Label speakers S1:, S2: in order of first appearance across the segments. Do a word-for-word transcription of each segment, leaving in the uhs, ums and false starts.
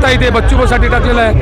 S1: सुद्धा इथे बच्चूभाऊसाठी टाकलेला आहे.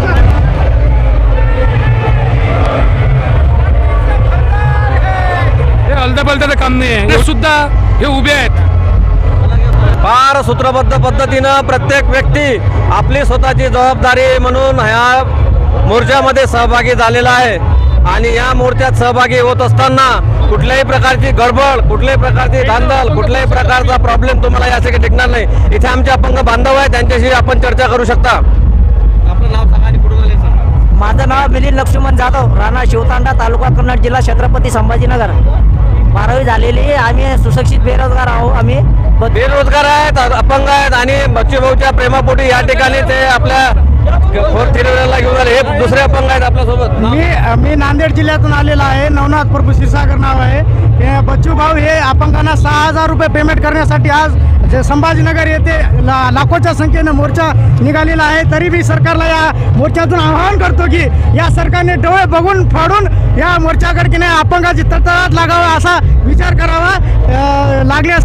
S1: हे अलदाबलदाचं काम नाही आहे. हे सुद्धा हे उभे आहेत.
S2: फार सूत्रबद्ध पद्धतीनं प्रत्येक व्यक्ती आपली स्वतःची जबाबदारी म्हणून ह्या मोर्चामध्ये सहभागी झालेला आहे. आणि या मोर्चात सहभागी होत असताना कुठल्याही प्रकारची गडबड, कुठल्याही प्रकारची धांदल, कुठल्याही प्रकारचा प्रॉब्लेम तुम्हाला यासाठी टिकणार नाही. इथे आमचे अपंग बांधव आहेत, त्यांच्याशी आपण चर्चा करू शकता. आपलं नाव सांगा आणि कुठून आले सांगा.
S3: माझं नाव मिलिंद लक्ष्मण जाधव, राणा शिवतांडा, तालुका कन्नड, जिल्हा छत्रपती संभाजीनगर. बारावी झालेली. आम्ही सुशिक्षित बेरोजगार आहोत. आम्ही
S2: बेरोजगार आहेत, अपंग आहेत आणि बच्चूभाऊच्या प्रेमापोटी या ठिकाणी ते आपल्या फोर्थ थिरीला घेऊन आले. हे दुसरे अपंग आहेत आपल्यासोबत.
S4: मी मी नांदेड जिल्ह्यातून आलेला आहे. नवनाथ प्रभू क्षीरसागर नाव आहे. हे बच्चूभाऊ हे अपंगांना सहा हजार रुपये पेमेंट करण्यासाठी आज जे संभाजीनगर येथे ला लाखोच्या संख्येनं मोर्चा निघालेला आहे. तरी मी सरकारला या मोर्चातून आवाहन करतो की या सरकारने डोळे बघून फाडून या मोर्चाकडे की नाही अपंगाची तळतळाट लागावा असा विचार करावा. लागल्यास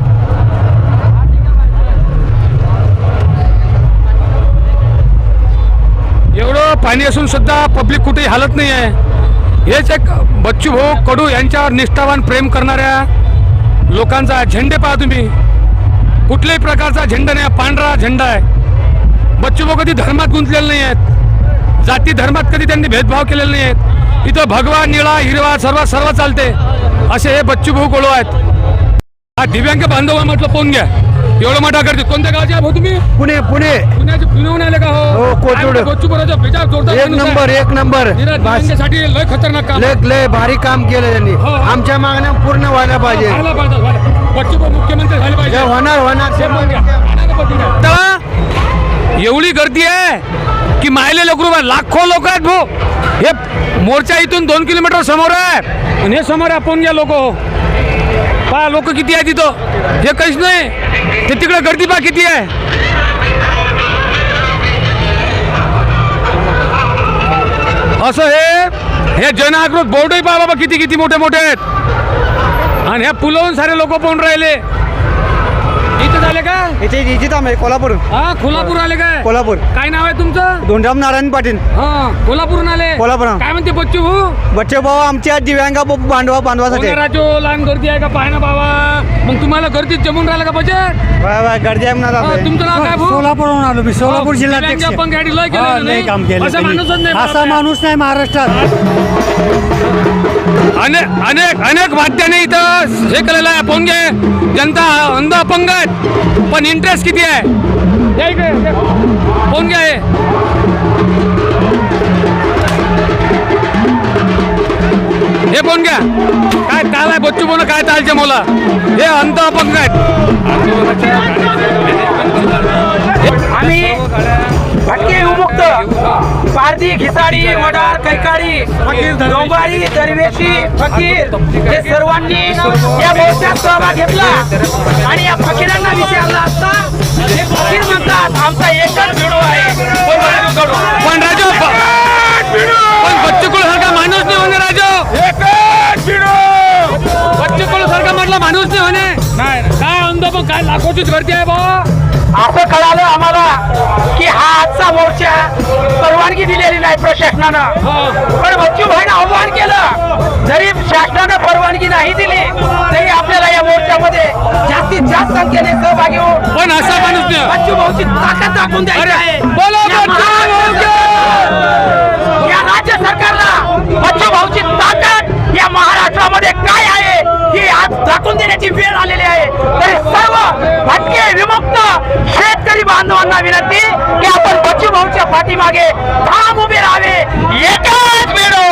S1: एवढं पाणी असून सुद्धा पब्लिक कुठेही हालत नाही आहे. हेच एक बच्चूभाऊ कडू यांच्यावर निष्ठावान प्रेम करणाऱ्या लोकांचा झेंडे पहा तुम्ही. कुठल्याही प्रकारचा झेंडा नाही, पांढरा झेंडा आहे. बच्चूभाऊ कधी धर्मात गुंतलेले नाही आहेत, जाती धर्मात कधी त्यांनी भेदभाव केलेले नाही आहेत. इथं भगवा, निळा, हिरवा सर्व सर्व चालते असे हे बच्चूभाऊ कडू आहेत. हा दिव्यांग बांधव म्हटलं पाहून घ्या. एवढं मोठा करते. कोणत्या गावचे आहोत तुम्ही?
S4: पुणे पुणे
S1: पुण्याचे पुण्याहून आले का?
S4: हो, कोथरूड.
S1: बच्चूभाऊचा बेजार जोरदार
S4: एक नंबर एक नंबर
S1: दिव्यांगासाठी लय खतरनाक काम
S4: लय लय भारी काम केलं त्यांनी.
S1: हो, हो.
S4: आमच्या मागण्या पूर्ण व्हायला पाहिजे.
S1: व्हायला पाहिजे, व्हायला. बच्चूभाऊ मुख्यमंत्री झाले पाहिजे.
S4: होणार होणार
S1: तेव्हा एवढी गर्दी आहे की मायले लोक लाखो लोक आहेत भाऊ. हे मोर्चा इथून दोन किलोमीटर समोर आहे आणि हे समोर आपण घ्या लोक. पहा लोक किती आहे तिथं. हे काहीच नाही. ते तिकडे गर्दी पहा किती आहे. असं हे हे जनआक्रोश बोर्डही पहा बाबा किती किती मोठे मोठे आहेत. आणि ह्या पुलावून सारे लोक पाहून राहिले. इथे झाले का?
S4: इथे इथे थांब आहे कोल्हापूर.
S1: हा कोल्हापूर आले काय?
S4: कोल्हापूर.
S1: काय नाव आहे तुमचं?
S4: धोंडराम नारायण पाटील.
S1: हा कोल्हापूरून आले.
S4: कोल्हापूर.
S1: काय म्हणते बच्चू भाऊ?
S4: बच्चे भाऊ आमच्या दिव्यांग बांधवा बांधवासाठी
S1: राजो लहान गर्दी आहे का पाय ना बाबा. मग तुम्हाला गर्दीत जमून राहिलं का बजेट?
S4: गर्दी आहे म्हणा.
S1: तुमचं नाव काय भाऊ?
S4: सोलापूरहून आलो मी. सोलापूर जिल्ह्यात
S1: पण गाडी लय केलं
S4: काम केलं.
S1: असा माणूसच नाही.
S4: असा माणूस नाही महाराष्ट्रात.
S1: अनेक अनेक अनेक वाद्याने इथं हे केलेलं आहे. अपंग आहे, जनता अंध अपंग आहेत, पण इंटरेस्ट किती आहे. कोण आहे? हे कोण घ्या. काय काल आहे बच्चू बोल काय चालचे मला. हे अंध अपंग आहेत.
S5: आम्ही भटके विमुक्त पारधी, खिसाडी, वडार, कैकाडी, डोंबारी, दरवेशी, फकीर हे सर्वांनी या मोर्चात सहभाग घेतला. आणि या फकीरांना विचारला असता हे फकीर म्हणतात आमचा एकच भिडो आहे.
S1: पण राजो पण बच्चू कुळ सारखा माणूस नाही होणे. राजो एकच भिडो. बच्चू कुळ सारखा म्हटलं माणूस नाही होणे. काय अंध पण काय लाखोचीच गर्दी आहे बा.
S5: असं कळालं आम्हाला की हा आजचा मोर्चा परवानगी दिलेली नाही प्रशासनानं. पण बच्चूभाईनं आव्हान केलं. जरी शासनानं परवानगी नाही दिली तरी आपल्याला या मोर्चामध्ये जास्तीत जास्त संख्येने सहभागी होऊन
S1: पण असा माणूस नाही.
S5: बच्चूभाऊची ताकद दाखवून द्यायची आहे.
S1: बोलो
S5: या राज्य सरकारला बच्चूभाऊची ताकद या महाराष्ट्रामध्ये काय आहे ही आज दाखवून देण्याची वेळ आलेली आहे. तरी सर्व भटके विमुक्त शेतकरी बांधवांना विनंती की आपण बच्चूभाऊच्या पाठीमागे ठाम उभे राहावे. एकच भिडो,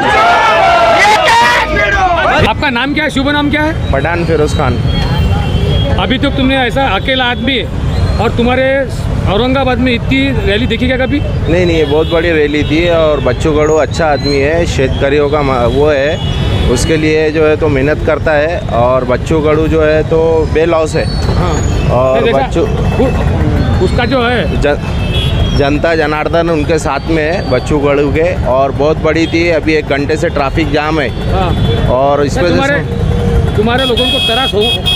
S5: एकच भिडो.
S1: आपका नाम क्या है? शुभ नाम क्या है?
S2: पठान फिरोज खान.
S1: अभी तक तुमने ऐसा अकेला आदमी और तुम्हारे औरंगाबाद में इतनी रैली देखी क्या कभी?
S6: नहीं नहीं, ये बहुत बड़ी रैली थी. और बच्चू कडू अच्छा आदमी है, शेतकरियों का वो है, उसके लिए जो है तो मेहनत करता है. और बच्चू कडू जो है तो बेलॉस है.
S1: हाँ.
S6: और बच्चू
S1: उसका जो है
S6: जन, जनता जनार्दन उनके साथ में है बच्चू कडू के. और बहुत बड़ी थी. अभी एक घंटे से ट्रैफिक जाम है.
S1: हाँ.
S6: और इस वजह
S1: तुम्हारे
S6: से
S1: तुम्हारे लोगों को त्रास हो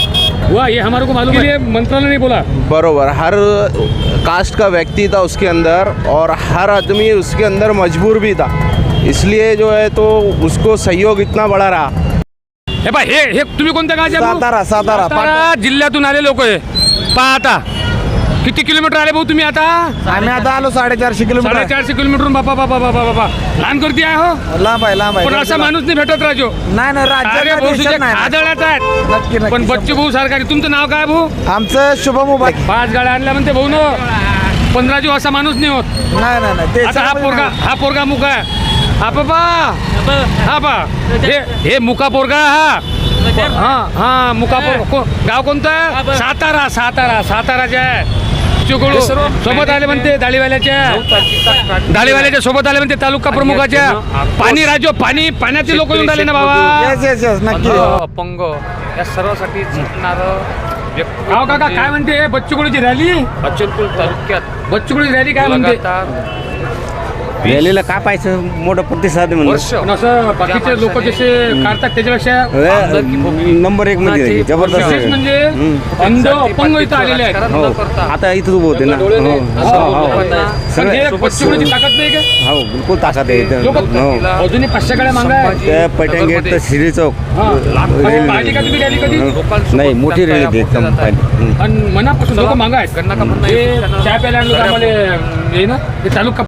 S1: हुआ ये हमारे को मालूम है, मंत्रालय ने बोला।
S6: बरोबर, हर कास्ट का व्यक्ति था उसके अंदर और हर आदमी उसके अंदर मजबूर भी था, इसलिए जो है तो उसको सहयोग इतना बड़ा रहा।
S1: हे बा हे हे तुम्ही कोणत्या गावचे भाऊ?
S2: सातारा सातारा
S1: सातारा जिल्ह्यातून आले लोक आहे. पहा आता किती किलोमीटर आले भाऊ तुम्ही आता?
S2: आम्ही आता आलो साडेचारशे किलोमीटर
S1: साडेचारशे किलोमीटर बापा बापा बापा बापा लहान करती आहे हो.
S2: लांब आहे लांब
S1: पण असा माणूस नाही भेटत राजो.
S2: नाही नाही
S1: अरे भाऊ तुझे आदळात
S2: नक्की,
S1: आहेत
S2: नक्की.
S1: पण बच्चू भाऊ सरकारी. तुमचं नाव काय भाऊ?
S2: आमचं शुभम उभा
S1: पाच गाड्या आणल्या म्हणते भाऊ न पंधरा जीव असा माणूस नाही होत.
S2: नाही नाही नाही
S1: आता हा पोरगा हा पोरगा मुका आहे. हा बाबा हा बा हे हे मुका पोरगा हा हा हा मुका पोरगा. को- गाव कोणतं आहे? सातारा सातारा साताराच्या आहे. चिकोळू सोबत आले म्हणते दाढीवाल्याच्या दाढीवाल्याच्या सोबत आले म्हणते तालुका प्रमुखाच्या. पाणी राजो पाणी पाण्याचे लोक येऊन राहिले ना बाबा.
S2: येस येस येस नक्की
S7: अपंग या सर्वांसाठी झटणारं व्यक्ती
S1: गाव काका काय म्हणते बच्चूकडूची रॅली?
S7: अचलपूर तालुक्यात
S1: बच्चूकडूची रॅली काय म्हणते?
S7: लगातार
S2: रॅलीला काय पाहिजे मोठा प्रतिसाद आहे
S7: वर्ष
S1: पण असं बाकीचे लोक जसे काढतात त्याच्यापेक्षा
S2: म्हणून नंबर एक मध्ये जबरदस्त
S1: विशेष
S2: आहे.
S1: म्हणजे अंध अपंग इथं आलेले आहेत.
S2: हो आता इथं उभं होते ना
S1: डोळे नाही.
S2: हो,
S1: असं
S2: हो, हो.
S1: पण
S2: सगळे
S1: हे बच्चूकडूची ताकद नाही का?
S2: हो बिलकुल ताकद आहे इथं.
S1: लोक
S2: हो
S1: अजूनही पाचशे गाड्या मागा
S2: त्या पैठण गेट तर शिरी चौक
S1: पाहिली का तुम्ही रॅली कधी?
S2: नाही मोठी रॅली होती एकदम पाहिली.
S1: आणि मनापासून लोक मागा आहेत.
S7: गन्ना का म्हणणं
S1: हे
S7: आहे,
S1: चहा प्यायला लोक आम्हाला हे ना हे तालुका